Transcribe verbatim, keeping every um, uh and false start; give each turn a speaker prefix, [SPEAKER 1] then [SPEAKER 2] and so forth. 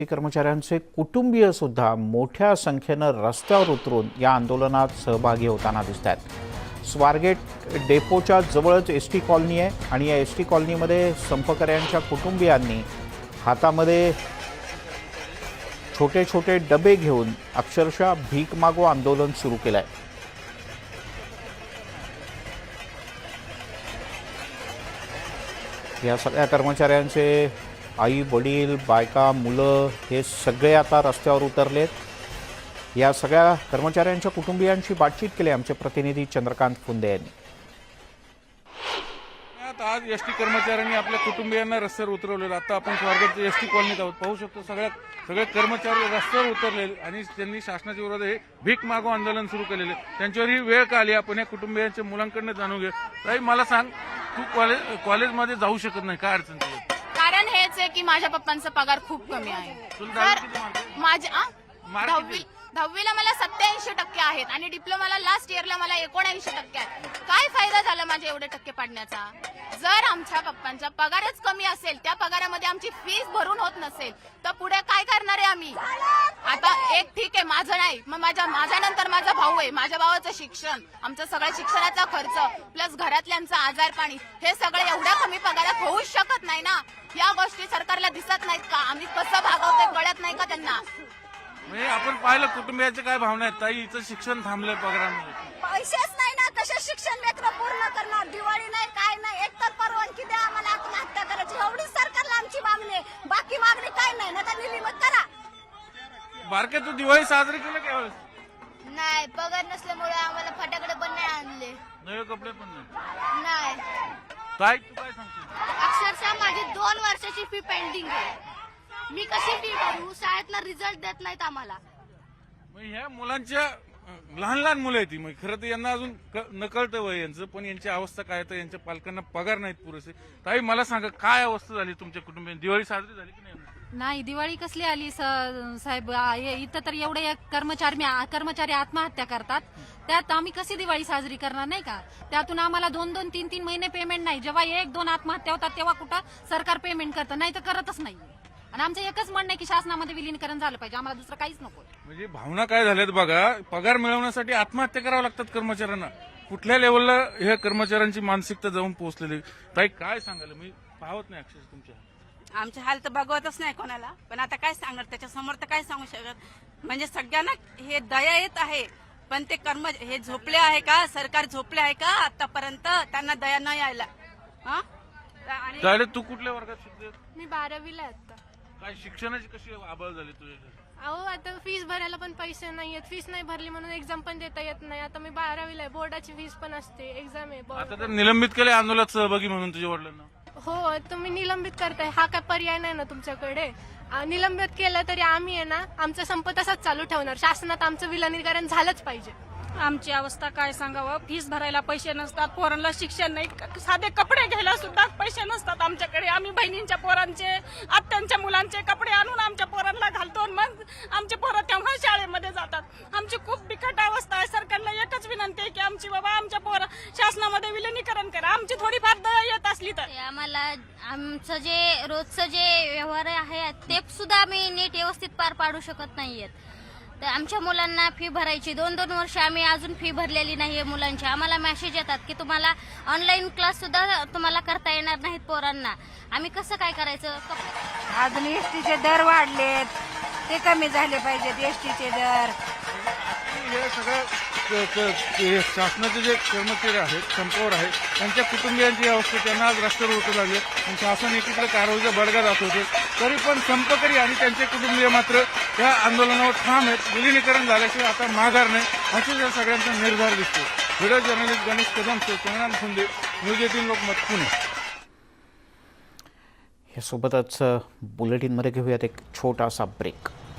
[SPEAKER 1] कर्मचाऱ्यांचे कुटुंबीय सुद्धा मोठ्या संख्येनं रस्त्यावर उतरून या आंदोलनात सहभागी होताना दिसत आहेत। स्वारगेट डेपोच्या जवळच एस टी कॉलनी आहे आणि या एस टी कॉलनीमध्ये संपकऱ्यांच्या कुटुंबियांनी हातामध्ये छोटे छोटे डबे घेऊन अक्षरशः भीक मागो आंदोलन सुरू केलं आहे। या सगळ्या कर्मचाऱ्यांचे आई वडील बायका मुलं हे सगळे आता रस्त्यावर उतरलेत। या सगळ्या कर्मचाऱ्यांच्या कुटुंबियांशी बातचीत केली आमचे प्रतिनिधी चंद्रकांत फुंदे यांनी।
[SPEAKER 2] आज एस टी कर्मचाऱ्यांनी आपल्या कुटुंबियांना रस्त्यावर उतरवलेलं। आता आपण स्वारगेटच्या एस टी कॉलनीत आहोत, पाहू शकतो सगळ्या सगळे कर्मचारी रस्त्यावर उतरलेले आणि त्यांनी शासनाच्या विरोधात भीक मागो आंदोलन सुरू केलेले। त्यांच्यावर ही वेळ का आली आपण या कुटुंबियांच्या मुलांकडून जाणून घेऊ। ताई मला सांग, तू कॉलेज कॉलेजमध्ये जाऊ शकत नाही, काय अडचण तुझी?
[SPEAKER 3] कारण हेच आहे की माझ्या पप्पांचा पगार खूप कमी आहे। माझ्या दहावी दहावीला मला सत्याऐंशी टक्के आहेत आणि डिप्लोमाला लास्ट इयरला मला एकोणऐंशी टक्के आहेत। काय फायदा झाला माझे एवढे टक्के पाडण्याचा? जर आमच्या पप्पांचा पगारच कमी असेल, त्या पगारामध्ये आमची फीस भरून होत नसेल तर पुढे काय करणार आहे आम्ही? आता एक ठीक आहे, माझं नाही, मग माझ्या माझ्यानंतर माझा भाऊ आहे, माझ्या भावाचं शिक्षण, आमचं सगळं शिक्षणाचा खर्च प्लस घरातल्यांचं आजारपाणी, हे सगळं एवढ्या कमी पगारात होऊच शकत नाही ना। या गोष्टी सरकारला दिसत नाहीत का? आम्ही कसं भागवतोय कळत नाही का त्यांना?
[SPEAKER 2] म्हणजे आपण पाहिलं कुटुंबियाच्या काय भावना आहेत ताई? हिचं शिक्षण थांबलंय पगारामध्ये,
[SPEAKER 4] पैसेच नाही ना, कसे शिक्षण लेकरं पूर्ण करणार? दिवाळी नाही काय नाही, एक तर परवानगी द्या आम्हाला आत्महत्या करायची, एवढी सरकारला आमची मागणी आहे। बाकी मागणी काय नाही ना, तर निलिमत करा।
[SPEAKER 2] बारके तू दिवाळी साजरी केली का यावेळेस?
[SPEAKER 4] नाही, पगार नसल्यामुळे आम्हाला फटाकडे पण नाही आणले,
[SPEAKER 2] नवे कपडे पण नाही।
[SPEAKER 4] नाही।
[SPEAKER 2] ताई तू काय सांगतो?
[SPEAKER 4] अक्षरशः माझी दोन वर्षाची फी पेंडिंग आहे, मी कशी फी भरू? शाळेतला रिझल्ट देत नाहीत आम्हाला।
[SPEAKER 2] मग ह्या मुलांच्या लहान लहान मुलं आहेत, मग खरं तर यांना अजून न कळतं वय यांचं, पण यांची अवस्था काय तर यांच्या पालकांना पगार नाहीत पुरेसे। ताई मला सांगा, काय अवस्था झाली तुमच्या कुटुंबियांची? दिवाळी साजरी झाली की नाही?
[SPEAKER 5] नाही, दिवाळी कसली आली साहेब? इथं तर एवढे कर्मचारी कर्मचारी आत्महत्या करतात, त्यात आम्ही कशी दिवाळी साजरी करणार नाही का? त्यातून आम्हाला दोन दोन तीन तीन महिने पेमेंट नाही। जेव्हा एक दोन आत्महत्या होतात तेव्हा कुठं सरकार पेमेंट करतं, नाही तर करतच नाही। आणि आमचं एकच म्हणणं आहे की शासनामध्ये विलीनीकरण झालं पाहिजे, आम्हाला दुसरं काहीच नको।
[SPEAKER 2] म्हणजे भावना काय झाल्यात बघा, पगार मिळवण्यासाठी आत्महत्या करावं लागतात कर्मचाऱ्यांना। कुठल्या लेवलला ह्या कर्मचाऱ्यांची मानसिकता जाऊन पोहोचलेली? ताई काय सांगाल? मी पाहत नाही अक्षरशः तुमच्या
[SPEAKER 6] आमचे हाल तर बघवतच नाही कोणाला, पण आता काय सांगणार त्याच्या समोर? तर काय सांगू शकत? म्हणजे सगळ्यांना हे दया येत आहे, पण ते कर्म हे झोपले आहे का? सरकार झोपले आहे का आतापर्यंत? त्यांना दया नाही यायला।
[SPEAKER 2] आणि तू कुठल्या वर्गात शिकते?
[SPEAKER 7] मी बारावीला आहे आता।
[SPEAKER 2] काय शिक्षणाची कशी आबाळ झाली तुझ्या?
[SPEAKER 7] अहो आता फीस भरायला पण पैसे नाहीयेत, फीस नाही भरली म्हणून एक्झाम पण देता येत नाही। आता मी बारावीला आहे, बोर्डाची फीस पण असते, एक्झाम आहे।
[SPEAKER 2] आता तर निलंबित केले आंदोलनात सहभागी म्हणून तुझ्या वडिलांना?
[SPEAKER 7] हो, तुम्ही निलंबित करताय, हा काय पर्याय नाही ना तुमच्याकडे? निलंबित केलं तरी आम्ही आहे ना, आमचा संप तसाच चालू ठेवणार। शासनात आमचं विलीनीकरण झालंच पाहिजे।
[SPEAKER 5] आमची अवस्था काय सांगावं? फीस भरायला पैसे नसतात, पोरांना शिक्षण नाही, साधे कपडे घ्यायला सुद्धा पैसे नसतात आमच्याकडे। आम्ही बहिणींच्या पोरांचे, आत्यांच्या मुलांचे कपडे आणून आमच्या पोरांना घालतो, मग आमचे पोरं तेव्हा शाळेमध्ये जातात। आमची खूप बिकट अवस्था आहे। सरकारला एकच विनंती आहे की आमची बाबा आमच्या पोरं शासनामध्ये विलीनीकरण करा, आमची थोडीफार दया येत असली तर।
[SPEAKER 4] आम्हाला आमचं जे रोजचं जे व्यवहार आहे ते सुद्धा आम्ही नीट व्यवस्थित पार पाडू शकत नाहीयेत। तर आमच्या मुलांना फी भरायची, दोन दोन वर्ष आम्ही अजून फी भरलेली नाहीये मुलांची। आम्हाला मेसेज येतात की तुम्हाला ऑनलाईन क्लास सुद्धा तुम्हाला करता येणार नाहीत पोरांना। आम्ही कसं काय करायचं?
[SPEAKER 6] अजून एसटीचे दर वाढलेत, ते कमी झाले पाहिजेत एसटीचे दर।
[SPEAKER 2] हे सगळं शासनाचे जे कर्मचारी आहेत, संपावर आहेत, त्यांच्या कुटुंबियांची अवस्था, त्यांना आज रस्त्यावर उतरू लागले आणि शासन एकीकडे कारवाईचा बडगा जात होते, तरी पण संपकरी आणि त्यांचे कुटुंबीय मात्र या आंदोलनावर ठाम आहेत। विलीनीकरण झाल्याशिवाय आता माघार नाही, असेच या सगळ्यांचा निर्धार दिसतो। Video journalist Ganesh Kadam, Chandrakant Phunde, news eighteen Lokmat, Pune.
[SPEAKER 1] यासोबतच बुलेटिनमध्ये घेऊयात एक छोटासा ब्रेक।